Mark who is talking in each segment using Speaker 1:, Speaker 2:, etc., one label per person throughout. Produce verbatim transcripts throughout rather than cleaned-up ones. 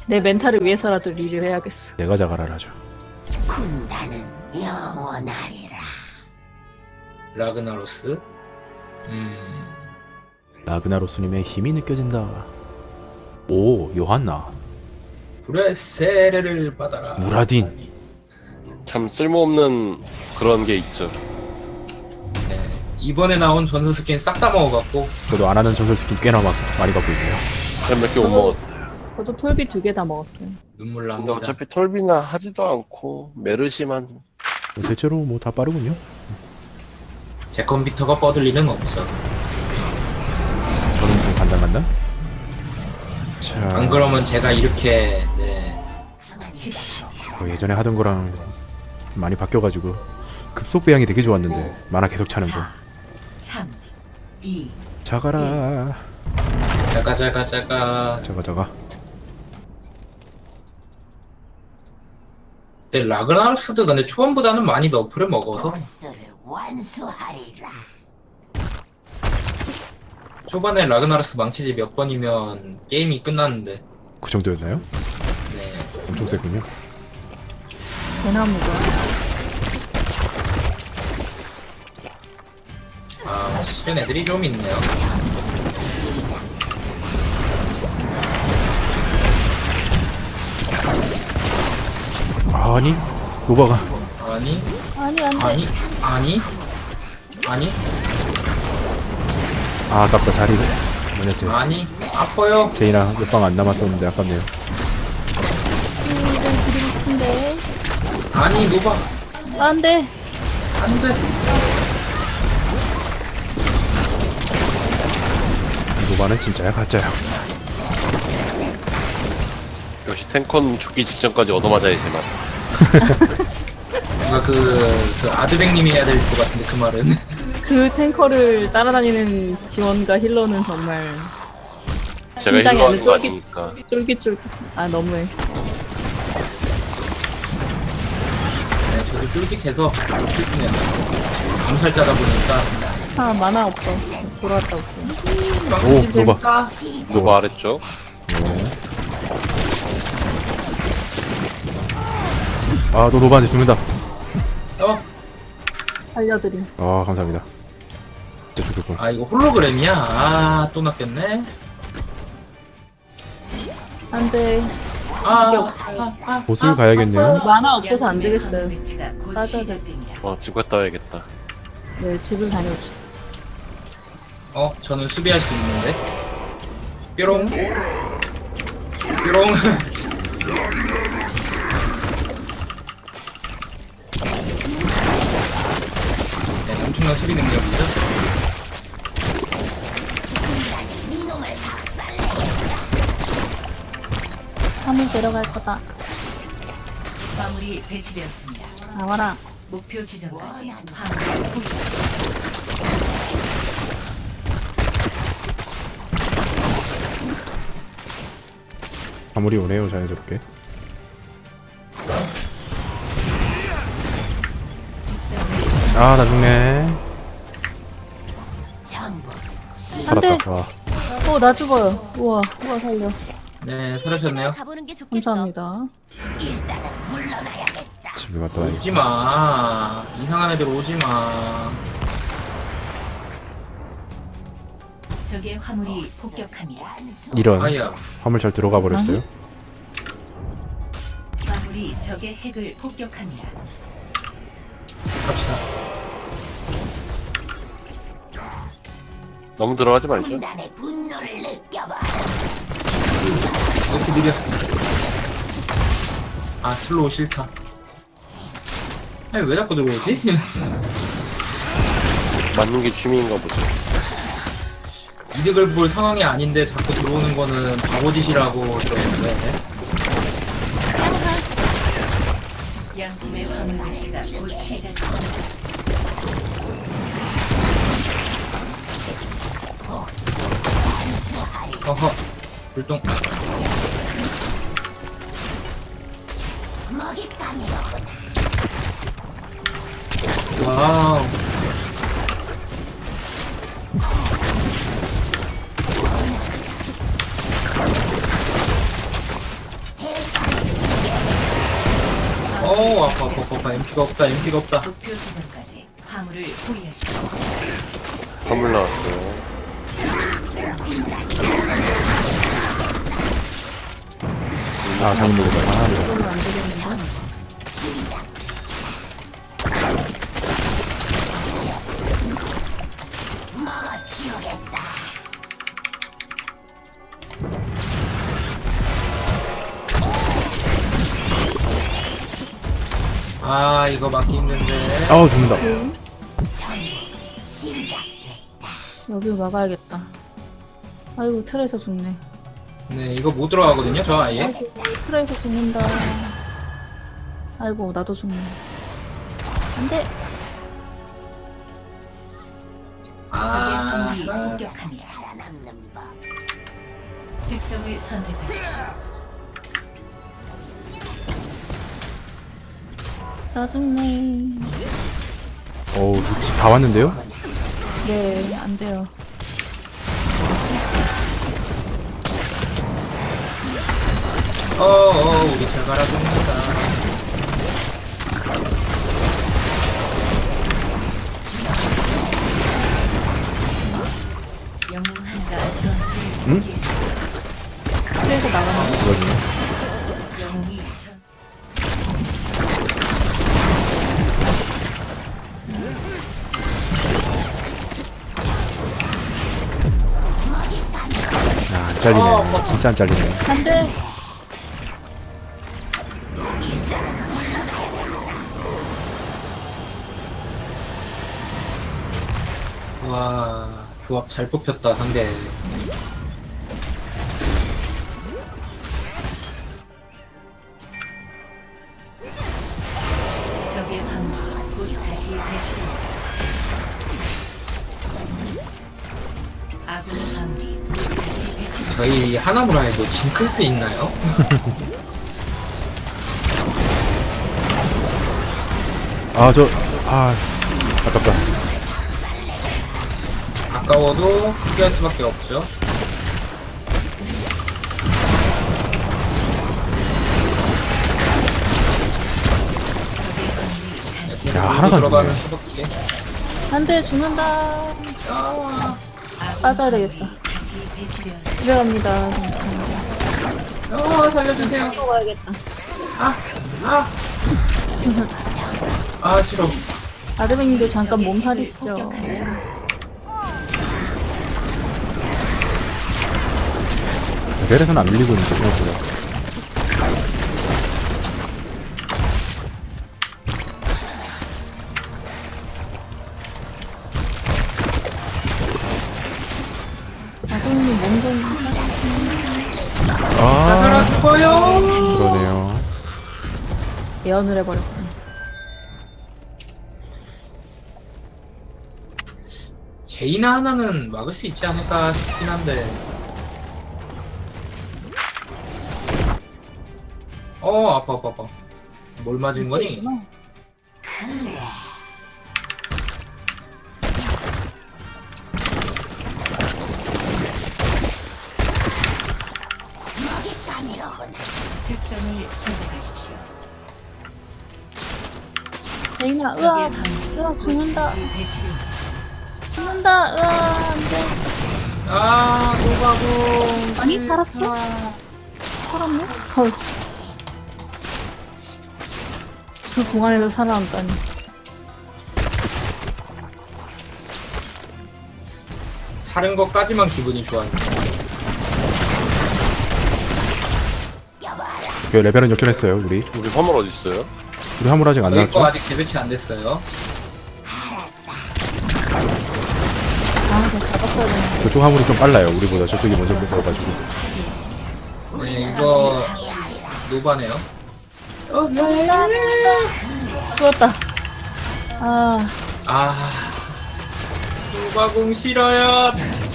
Speaker 1: 내 멘탈을 위해서라도 리를 해야겠어.
Speaker 2: 내가 자갈하라죠.
Speaker 3: 군단은 영원하리라.
Speaker 4: 라그나로스. 음.
Speaker 2: 라그나로스님의 힘이 느껴진다. 오, 요한나.
Speaker 4: 불의 세례를 받아라.
Speaker 2: 무라딘.
Speaker 5: 참 쓸모없는 그런 게 있죠.
Speaker 4: 네. 이번에 나온 전설 스킨 싹 다 먹어갖고
Speaker 2: 저도 안 하는 전설 스킨 꽤나 막 많이 갖고 있네요.
Speaker 5: 제가 몇 개 못 먹었어요.
Speaker 1: 저도 톨비 두 개 다 먹었어요.
Speaker 4: 눈물
Speaker 5: 근데
Speaker 4: 납니다.
Speaker 5: 어차피 톨비나 하지도 않고 메르시만
Speaker 2: 대체로 뭐 다 빠르군요.
Speaker 4: 제 컴퓨터가 뻗을 일은 없죠.
Speaker 2: 저는 좀 간당간당. 자,
Speaker 4: 안 그러면 제가 이렇게 네.
Speaker 2: 뭐 예전에 하던 거랑 많이 바뀌어가지고 급속 배양이 되게 좋았는데 만화 계속 차는 거.
Speaker 3: 삼, 이,
Speaker 2: 자가라.
Speaker 4: 자가 자가 자가.
Speaker 2: 자가 자가.
Speaker 4: 근데 라그나로스도 근데 초반보다는 많이 너프를 먹어서
Speaker 3: 복수를 완수하리라.
Speaker 4: 초반에 라그나로스 망치지 몇 번이면 게임이 끝났는데
Speaker 2: 그 정도였나요?
Speaker 4: 네.
Speaker 2: 엄청 세군요.
Speaker 1: 대나무가.
Speaker 4: 아 실은 애들이 좀 있네요.
Speaker 2: 아니, 노바가.
Speaker 4: 아니
Speaker 1: 아니 안 돼.
Speaker 4: 아니 아니 아니
Speaker 2: 아, 아깝다. 자리. 뭐였지?
Speaker 4: 아니 아파요.
Speaker 2: 제이나 몇 방 안 남았었는데 아깝네요.
Speaker 1: 음, 이건 드리고 싶은데.
Speaker 4: 아니 노바
Speaker 1: 안 돼.
Speaker 4: 안돼.
Speaker 2: 노바는 진짜야 가짜야.
Speaker 5: 역시 탱컨 죽기 직전까지 얻어맞아야지 만.
Speaker 4: 뭔가 그, 그 아드백님이 해야 될 것 같은데 그 말은.
Speaker 1: 그 탱커를 따라다니는 지원과 힐러는 정말
Speaker 5: 제가
Speaker 1: 심장이
Speaker 5: 힐러하는
Speaker 1: 아주
Speaker 5: 거
Speaker 1: 쫄깃-
Speaker 5: 아니니까.
Speaker 1: 쫄깃쫄깃. 아 너무해.
Speaker 4: 네, 저도 쫄깃해서 슬프네요. 암살자다 보니까.
Speaker 1: 아 만화 없어. 돌아왔다 올게.
Speaker 2: 오, 노바.
Speaker 5: 누가 아랬죠?
Speaker 2: 아, 너 노바한테 죽는다.
Speaker 4: 어?
Speaker 1: 살려드림.
Speaker 2: 아, 감사합니다. 진짜 죽겠군.
Speaker 4: 아 이거 홀로그램이야? 아 또 낚였네.
Speaker 1: 안 돼.
Speaker 4: 아, 아, 아,
Speaker 2: 보스를
Speaker 4: 아,
Speaker 2: 가야겠네요.
Speaker 1: 만화 없어서 안 되겠어요.
Speaker 3: 곧
Speaker 1: 따져야
Speaker 3: 시작됩니다.
Speaker 5: 어, 집 갔다 와야겠다.
Speaker 1: 네 집을 다녀옵시다.
Speaker 4: 어, 저는 수비할 수 있는데. 뾰롱. 뾰롱. 네, 엄청난 수비 능력이죠.
Speaker 1: 화물 데려갈 거다.
Speaker 3: 화물이 배치되었습니다.
Speaker 1: 나와라.
Speaker 3: 목표 지점까지 화물을 포기하십시오.
Speaker 2: 아무리 오네요, 자연스럽게. 아, 나 죽네.
Speaker 3: 전부
Speaker 1: 안 돼.
Speaker 2: 살았다. 와.
Speaker 1: 어 나 죽어요. 우와 우와 살려.
Speaker 4: 네, 살으셨네요.
Speaker 1: 감사합니다.
Speaker 3: 일단은 물러나야겠다.
Speaker 2: 집에 갔다 와야겠다.
Speaker 4: 오지 마. 이상한 애들 오지 마.
Speaker 3: 적의 화물이 폭격합니다.
Speaker 2: 이런.
Speaker 4: 아야.
Speaker 2: 화물 잘 들어가 버렸어요.
Speaker 3: 화물이 적의 핵을 폭격합니다.
Speaker 4: 갑시다.
Speaker 5: 너무 들어가지 말죠.
Speaker 3: 군단의 분노를 느껴봐.
Speaker 4: 이렇게 느려. 아, 슬로우 싫다. 아니, 왜 자꾸 들어오지?
Speaker 5: 맞는 게 취미인가 보죠.
Speaker 4: 이득을 볼 상황이 아닌데 자꾸 들어오는 거는 바보짓이라고 들었는데.
Speaker 3: 양팀의 화물 배치가 곧 시작됩니다.
Speaker 4: 어허, 불똥. 와우. 어 아파 아파 아파 엠피가 없다 엠피가 없다.
Speaker 3: 목표 지점까지 화물을 포위하십시오.
Speaker 5: 화물 나왔어요.
Speaker 2: 아 잘못 누르다. 아, 네.
Speaker 1: 그러면 안 되겠는데?
Speaker 4: 아 이거 막기 힘든데.
Speaker 2: 아우 죽는다.
Speaker 1: 여기로 막아야겠다. 아이고 틀에서 죽네.
Speaker 4: 네 이거 못 들어가거든요 저 아예.
Speaker 1: 아이고 틀에서 죽는다. 아이고 나도 죽네. 안돼.
Speaker 3: 적의
Speaker 4: 아,
Speaker 3: 화물이
Speaker 4: 아.
Speaker 3: 공격합니다. 특성을 선택하십시오.
Speaker 1: 나 죽네.
Speaker 2: 어우 루치 다 왔는데요?
Speaker 1: 네 안돼요.
Speaker 4: 어어 우리 잘 갈아줍니다.
Speaker 3: 영웅 하나가 전투를
Speaker 2: 응?
Speaker 3: 포기했습니다.
Speaker 1: 틀에서 나가는
Speaker 2: 이거든요.
Speaker 3: 영웅이 전
Speaker 2: 아, 안 잘리네. 진짜 안 잘리네.
Speaker 1: 안돼.
Speaker 4: 와 조합 잘 뽑혔다 상대.
Speaker 3: 적의 화물이 곧 다시 배치됩니다. 아군 화물이 곧 다시 배치됩니다.
Speaker 4: 저희 하나무라에도 징크스 있나요?
Speaker 2: 아 저 아 아깝다.
Speaker 4: 아까워도 포기할 수밖에 없죠.
Speaker 3: 적의 화물이 다시
Speaker 2: 야 하나도 안
Speaker 4: 들어가면
Speaker 2: 죽네.
Speaker 4: 수밖에.
Speaker 1: 안돼 죽는다.
Speaker 3: 아군
Speaker 1: 빠져야
Speaker 3: 화물이
Speaker 1: 되겠다.
Speaker 3: 다시 배치되었습니다.
Speaker 1: 집에 갑니다.
Speaker 4: 어 살려주세요.
Speaker 1: 또 가야겠다.
Speaker 4: 아 아. 아 싫어.
Speaker 1: 아드베님도 잠깐
Speaker 3: 적의
Speaker 1: 몸살이
Speaker 3: 힘을
Speaker 1: 있죠.
Speaker 3: 폭격합니다.
Speaker 2: 레벨에서는 안 밀리고 있는데 생각보다.
Speaker 1: 아드베님 몸좀
Speaker 4: 다 살아
Speaker 2: 아
Speaker 4: 죽어요.
Speaker 2: 그러네요.
Speaker 1: 예언을 해버렸군.
Speaker 4: 제이나 하나는 막을 수 있지 않을까 싶긴 한데. 어 아파 아파 아파. 뭘 맞은 거니?
Speaker 3: 특성을 선택하십시오.
Speaker 1: 레이나
Speaker 3: 적의
Speaker 1: 으아
Speaker 3: 화물이
Speaker 1: 으아
Speaker 3: 곧
Speaker 1: 죽는다.
Speaker 3: 다시 배치됩니다.
Speaker 1: 죽는다. 으아 안돼.
Speaker 4: 아 노바고.
Speaker 1: 아니 살았어? 살았네? 헐. 그 공간에서 살아남다니.
Speaker 4: 사는 것까지만 기분이 좋았네.
Speaker 2: 그 레벨은 역전했어요 우리.
Speaker 5: 우리 화물 어디 있어요?
Speaker 2: 우리 화물 아직 안
Speaker 4: 저희 거
Speaker 2: 나왔죠?
Speaker 4: 아직 재배치 안 됐어요.
Speaker 1: 아, 저 잡았어야 되는데.
Speaker 2: 그쪽 화물이 좀 빨라요. 우리보다 저쪽이 먼저 먹어가지고.
Speaker 4: 네 이거 노바네요. 어
Speaker 1: 죽었다. 아,
Speaker 4: 아 노바공 싫어요.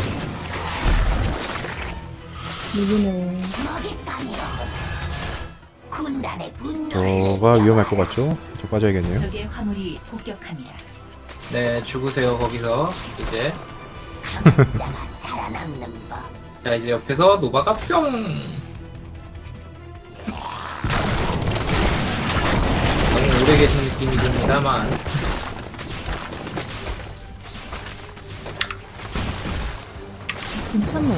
Speaker 1: 누구네.
Speaker 2: 저가 위험할 것 같죠? 저 빠져야겠네요.
Speaker 3: 적의 화물이 폭격합니다.
Speaker 4: 네 죽으세요 거기서 이제. 자 이제 옆에서 노바가 뿅. 느낌이 듭니다만.
Speaker 1: 괜찮네.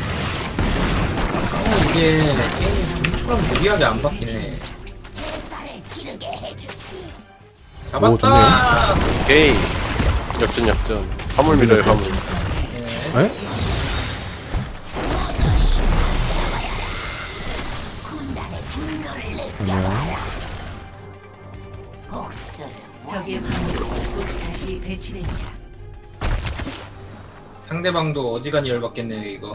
Speaker 4: 어, 이게 게임이 좀처럼 무리하게 안 바뀌네.
Speaker 2: 오,
Speaker 4: 잡았다.
Speaker 5: 오케이. 역전 역전. 화물 밀어요 화물.
Speaker 2: 에? 안녕.
Speaker 3: 적의 화물이 곧 다시 배치됩니다.
Speaker 4: 상대방도 어지간히 열받겠네요 이거.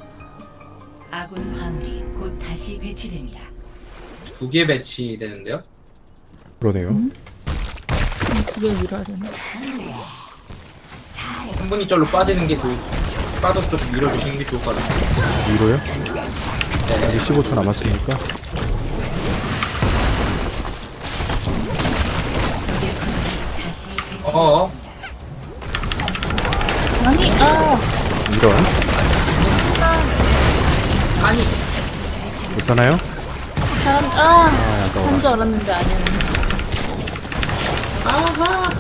Speaker 3: 아군 화물이 곧 다시 배치됩니다.
Speaker 4: 두 개 배치되는데요?
Speaker 2: 그러네요.
Speaker 1: 두개 밀어야 되나?
Speaker 4: 한 분이 절로 빠지는 게 좋. 빠져 좀 밀어주시는 게 좋을 것 같아요.
Speaker 2: 위로요?
Speaker 4: 네.
Speaker 2: 아직 십오 초 남았으니까.
Speaker 3: 적의 화물이 다시 배치됩니다.
Speaker 4: 어어.
Speaker 1: 아니, 아,
Speaker 2: 이런.
Speaker 4: 아니.
Speaker 2: 괜찮아요?
Speaker 1: 사람, 아,
Speaker 2: 아, 아까워라.
Speaker 1: 한 줄 알았는데 아니었네.
Speaker 4: 아하.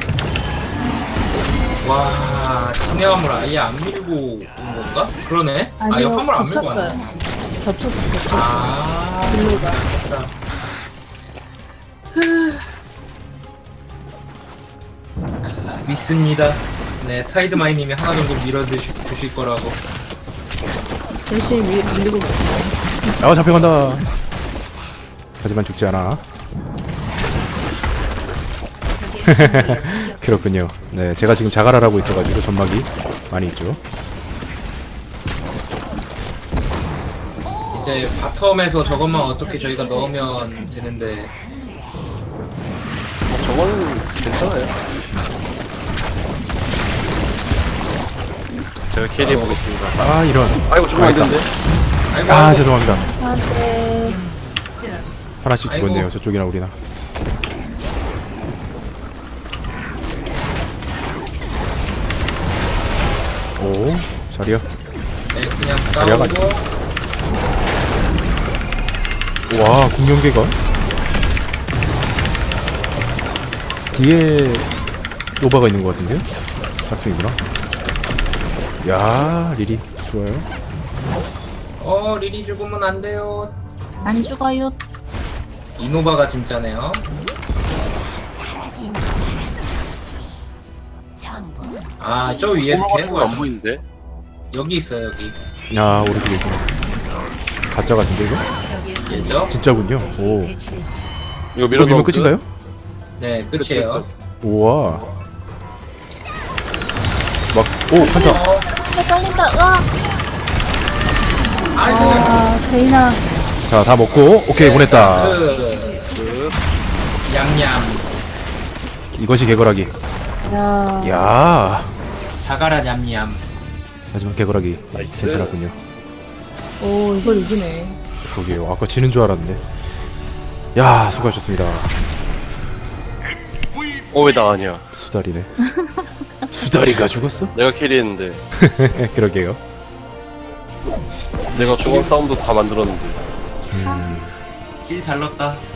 Speaker 4: 와, 신의 화물 아예 안 밀고 온 건가? 그러네. 아,
Speaker 1: 아니요,
Speaker 4: 옆 화물 안 밀고
Speaker 1: 겹쳤어요.
Speaker 4: 왔네.
Speaker 1: 겹쳤어, 겹쳤어.
Speaker 4: 아,
Speaker 1: 블루가.
Speaker 4: 진짜. 믿습니다. 네, 타이드마이님이 하나 정도 밀어주실 주실 거라고.
Speaker 1: 열심히 밀, 밀리고 있어요.
Speaker 2: 아, 잡혀간다. 하지만 죽지 않아.
Speaker 3: 적의 화물이 공격-
Speaker 2: 그렇군요. 네, 제가 지금 자갈을 하고 있어가지고 점막이 많이 있죠.
Speaker 4: 이제 바텀에서 저것만 어떻게 저희가 넣으면 되는데.
Speaker 5: 어, 저거는 괜찮아요. 제가 캐리해 보겠습니다.
Speaker 2: 아, 이런.
Speaker 5: 아이고 죽으면 안 되는데.
Speaker 4: 아이고,
Speaker 2: 아,
Speaker 4: 아이고.
Speaker 2: 죄송합니다.
Speaker 1: 아, 네.
Speaker 3: 쓰러졌습니다.
Speaker 2: 하나씩
Speaker 4: 아이고.
Speaker 2: 죽었네요. 저쪽이나 우리나. 오, 자리야.
Speaker 4: 네, 그냥
Speaker 2: 자리야가
Speaker 4: 싸우고.
Speaker 2: 와, 공룡개가 뒤에 노바가 있는 것 같은데요? 작중이구나. 야, 리리 좋아요.
Speaker 4: 어, 리리 죽으면 안 돼요.
Speaker 1: 안 죽어요.
Speaker 4: 이노바가 진짜네요. 아, 저 위에
Speaker 5: 오버가
Speaker 4: 개
Speaker 5: 안 보이는데.
Speaker 4: 여기 있어요, 여기.
Speaker 2: 야, 오른쪽에 있구나. 가짜 같은데 이거?
Speaker 3: 적의 화물이
Speaker 4: 얘죠?
Speaker 2: 진짜군요.
Speaker 3: 다시
Speaker 2: 오.
Speaker 3: 배치됩니다.
Speaker 5: 이거
Speaker 2: 이거
Speaker 5: 밀어
Speaker 2: 밀면
Speaker 5: 넣으면
Speaker 2: 끝인가요?
Speaker 4: 네, 끝이에요.
Speaker 2: 우와. 막, 오, 한타.
Speaker 4: 어,
Speaker 1: 아, 떨린다. 와.
Speaker 4: 아이고.
Speaker 1: 아, 제이나.
Speaker 2: 자, 다 먹고, 오케이, 보냈다.
Speaker 4: 그,
Speaker 5: 끝.
Speaker 4: 양양.
Speaker 2: 이것이 개거라기.
Speaker 1: 야.
Speaker 2: 야
Speaker 4: 자가라 냠냠.
Speaker 2: 하지만 개거라기
Speaker 5: 나이스.
Speaker 2: 괜찮았군요.
Speaker 1: 오, 이걸 이기네.
Speaker 2: 그러게요. 아까 지는 줄 알았는데. 야, 수고하셨습니다.
Speaker 5: 어 왜 나 아니야?
Speaker 2: 수다리네. 수다리가 죽었어?
Speaker 5: 내가 캐리했는데.
Speaker 2: 그러게요.
Speaker 5: 내가 중앙 싸움도 다 만들었는데.
Speaker 2: 음,
Speaker 4: 길 잘 넣었다.